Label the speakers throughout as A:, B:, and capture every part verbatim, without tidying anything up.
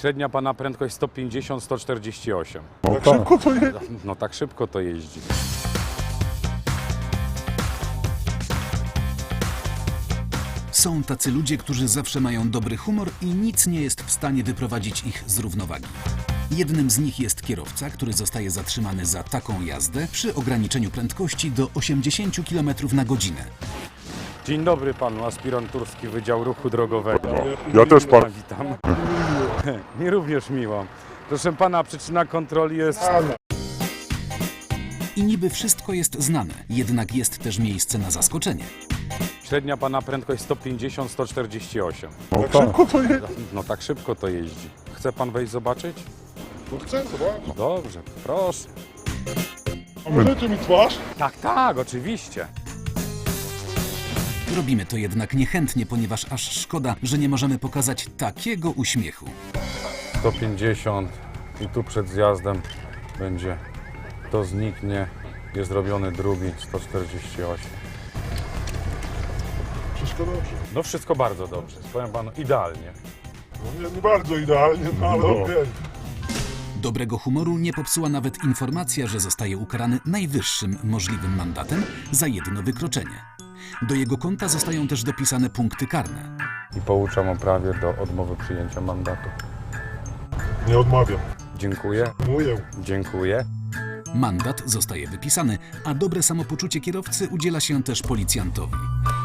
A: Średnia pana prędkość sto pięćdziesiąt do stu czterdziestu ośmiu.
B: Tak szybko to jedzie?
A: No tak szybko to jeździ.
C: Są tacy ludzie, którzy zawsze mają dobry humor i nic nie jest w stanie wyprowadzić ich z równowagi. Jednym z nich jest kierowca, który zostaje zatrzymany za taką jazdę przy ograniczeniu prędkości do osiemdziesięciu kilometrów na godzinę.
A: Dzień dobry panu, aspirant Turski Wydział Ruchu Drogowego.
B: Ja też pan.
A: Witam. Mi również miło. Proszę pana, przyczyna kontroli jest...
C: I niby wszystko jest znane, jednak jest też miejsce na zaskoczenie.
A: Średnia pana prędkość sto pięćdziesiąt do stu czterdziestu ośmiu.
B: Tak szybko to jedzie?
A: No tak szybko to jeździ. Chce pan wejść zobaczyć?
B: No chcę zobaczyć.
A: Dobrze, proszę.
B: Możecie mi twarz?
A: Tak, tak, oczywiście.
C: Robimy to jednak niechętnie, ponieważ aż szkoda, że nie możemy pokazać takiego uśmiechu.
A: sto pięćdziesiąt i tu przed zjazdem będzie, to zniknie, jest robiony drugi sto czterdzieści osiem.
B: Wszystko dobrze.
A: No wszystko bardzo dobrze, powiem panu, idealnie.
B: No nie, nie bardzo idealnie, no ale
A: No.
B: okej.
C: Dobrego humoru nie popsuła nawet informacja, że zostaje ukarany najwyższym możliwym mandatem za jedno wykroczenie. Do jego konta zostają też dopisane punkty karne.
A: I pouczam o prawie do odmowy przyjęcia mandatu.
B: Nie odmawiam.
A: Dziękuję,
B: Mówię.
A: dziękuję.
C: Mandat zostaje wypisany, a dobre samopoczucie kierowcy udziela się też policjantowi.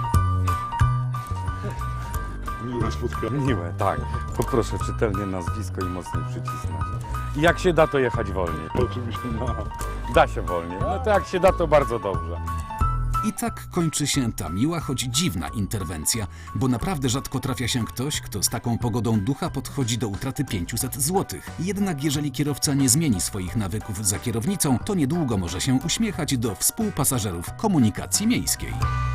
B: Miłe spotkanie.
A: Miłe, tak. Poproszę czytelnie nazwisko i mocniej przycisnąć. I jak się da, to jechać wolniej.
B: Oczywiście.
A: No, da się wolniej. No to jak się da, to bardzo dobrze.
C: I tak kończy się ta miła, choć dziwna interwencja, bo naprawdę rzadko trafia się ktoś, kto z taką pogodą ducha podchodzi do utraty pięciuset złotych. Jednak jeżeli kierowca nie zmieni swoich nawyków za kierownicą, to niedługo może się uśmiechać do współpasażerów komunikacji miejskiej.